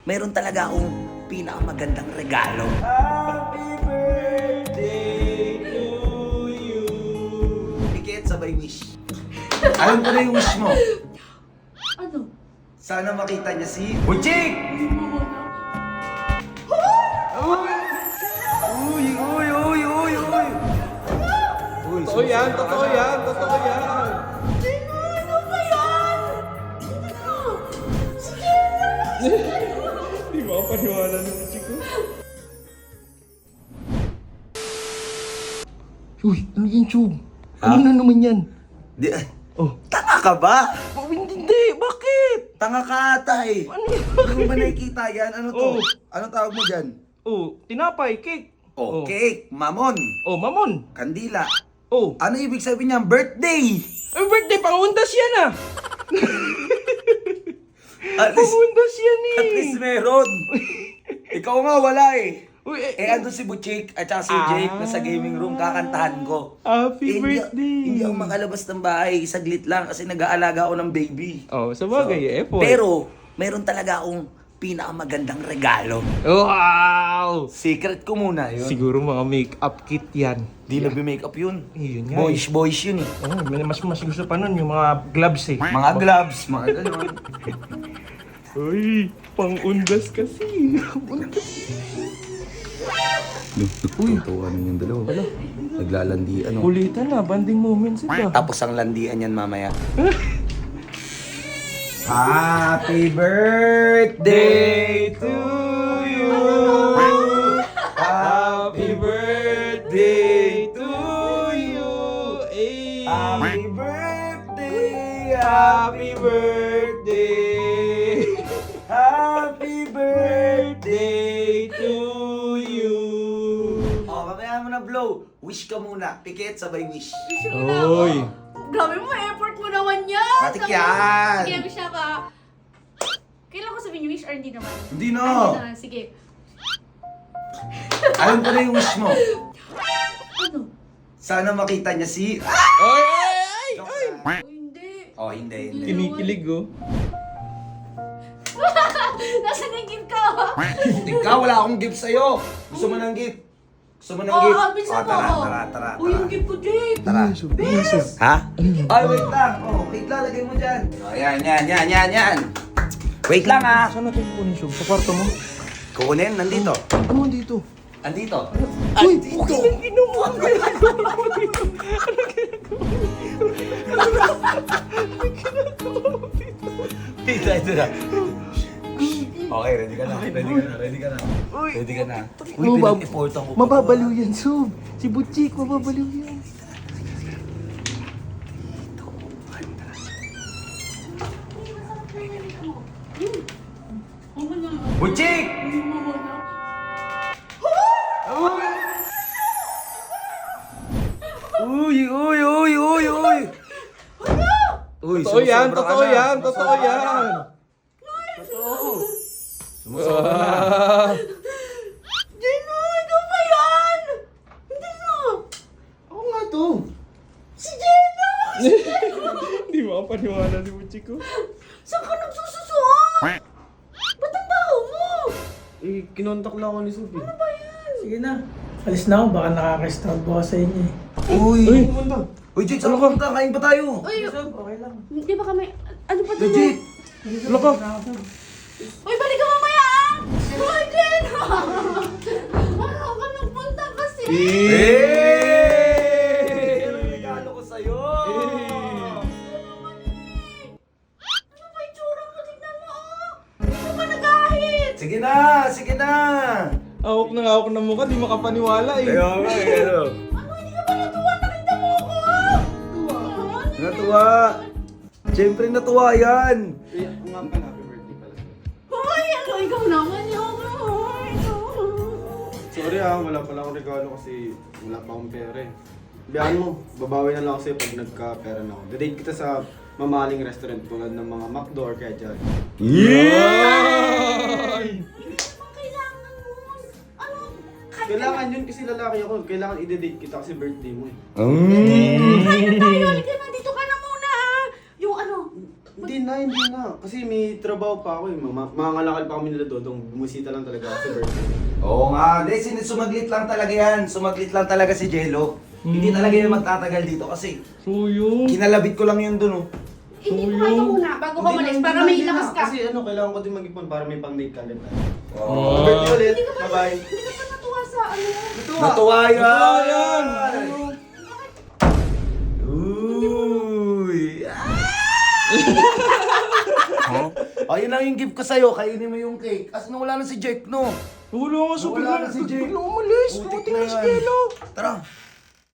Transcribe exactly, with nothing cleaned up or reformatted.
mayroon talaga akong pinakamagandang regalo. Happy birthday to you. Pikit, sabay wish. Alam ko na yung wish mo. Ano? Sana makita niya si Butchik! Uy, uy, uy, uy, uy! Uy, Totoo yan, totoo yan, totoo yan. Sino? Ano ba yan? Ano? Sige na! Di ba ako paniwala ng chiko? Uy, ano yan, Chog? Ha? Ano na naman yan? Di, Oh. tanga ka ba? Oh, hindi, hindi. Bakit? Tanga ka ata eh. Ano yan? Hindi mo ba nakikita yan? Ano to? Oh. Ano tawag mo dyan? Oh, tinapay, cake. Oh, cake, mamon, Oh, mamon. kandila. Oh. Ano ibig sabihin niyan? Birthday! Ay, birthday, pangundas yan ah. At least, Pangundas yan eh. at least meron. Ikaw nga wala eh. Uy, eh, Eh, andun si Butchik at saka si Ah. Jake na sa gaming room, kakantahan ko. Happy Eh, hindi, birthday. hindi ako makalabas ng bahay, saglit lang kasi nag-aalaga ako ng baby. Oh, sa bagay, effort. Pero, mayroon talaga akong pinakamagandandang regalo. Wow! Secret ko muna yun. Siguro mga make-up kit yan. Di na make-up yun. Eh, yun nga Boys, boys yun eh. Oh, may mas mas gusto pa nun yung mga gloves eh. Mga gloves, mga ganun. Uy, pangundas kasi. Nagtutuwa na yung dalawa. Wala. Naglalandi, ano. Kulitan na, banding moments ito. Tapos ang landian yan mamaya. Happy birthday to you. Happy birthday to you. Hey. Happy birthday. Happy birthday. Happy birthday to you. Oh, mamaya mo na blow. Wish ka muna. Pikit, sabay wish. Oy. Grabe mo, effort mo naman yan! Matik Sabi- yan. Sige, wish na ka. Kailan ko sabihin yung wish or hindi naman? Hindi na. Ay, hindi naman. Sige. Alam ko na yung wish mo. Ano? Sana makita niya si... Ay, ay, ay! Joke Ay! lang. Oh, hindi. Oh, hindi, hindi. Kinikilig oh. Nasaan yung gift ka? Ikaw, wala akong gift sa'yo. Gusto mo ng gift? Gusto mo ng Oo, gift? oh, bisa Oh, mo. tara, tara, tara, Uy, yung tara. gift ko, Jake. Tara. Yes. Ha? Ay, wait lang. Oh, wait lang. Lagay mo dyan. Oh, yan, yan, yan, yan, yan. Wait lang ah. Saan natin kukunin siya? Sa kwarto mo? Kukunin, nandito. Ano dito? Andito. Uy, Andito. okay lang ginawa. Dito, ito na. Okay, ready ka na. Ready ka na, ready ka na. Uy. Ready ka na. Uy, Mabab- pinag-effortan ko. pa Mababaliw yan, Sob. Si Butchik, mababaliw yan. Butchik! Uy, uy, uy, uy, uy! Uy, Totoo yan, sumusobra ka totoo na. yan, totoo Sumusobra ka yan. na. Sumusobra na. Ah. Dino, ikaw ba yan? Hindi na. Ako nga to. Si Jenna! Di ba ako paniwala ni Butchiko? Saan ka nagsususuot? Ba't ang baho mo? Eh, kinontak lang ako ni Sophie. Ano ba yan? Sige na. Alis na ako, baka nakaka-stalk ako sa inyo eh. Uy! Uy, pumunta. Uy, Jake, saan ka punta? Kain pa tayo. Uy, Okay lang. hindi ba kami... Ano pa Uy, to? Jake! Wala ka. Uy, balik ka mamaya ah! Uy, Jenna! Ano ka nagpunta kasi? Hey! Ano yung regalo ko sa'yo? Ano ba yung tsura mo? Tignan mo oh! Hindi ka ba nag-ahit? Sige na, sige na. Awak na awak na mukha, di makapaniwala eh. Kaya nga, eh, ano? Ano, hindi ka ba natuwa? Nakita mo ako ah! Tuwa? Natuwa. Siyempre natuwa yan. Eh, ako nga pala, happy birthday pala. Hoy, ano? Ikaw naman yun. Hoy, Sorry ah, wala pala akong regalo kasi wala pa akong pera eh. Biyahan mo, babawi na lang ako sa'yo pag nagka-pera na ako. Didate kita sa mamahaling restaurant tulad ng mga McDo or kaya Jollibee. Yeah! kailangan mo. Ano? Kahit Kailangan yun kasi lalaki ako. Kailangan i-date kita kasi birthday mo eh. Mm. Kaya tayo, halika na, dito ka na muna ah. Yung ano, Hindi na, na, hindi na. Kasi may trabaho pa ako eh. Mga mga ngalakal pa kami nila Dodong. Bumisita lang talaga ako sa birthday. Oo nga, hindi, sin- sumaglit lang talaga yan. Sumaglit lang talaga si Jello. Hindi talaga yan magtatagal dito kasi So yun. kinalabit ko lang yun dun oh. Hindi, kumain ka muna bago ka Hindi umalis na, para hindi may na, lakas ka. Kasi ano, kailangan ko din mag-ipon para may pang-date ka ulit. Oh. Birthday ulit. Hindi ka pa, Bye-bye. hindi ka pa natuwa sa ano. Natuwa yan! Natuwa yan! Uy! Ah! Ayun lang yung gift ko sa'yo, kainin mo yung cake. Kasi nawala na si Jake, no? Wala nga sa Nawala na si Jake. Biglang umalis. Putik Puting na na si yan. Jello. Tara.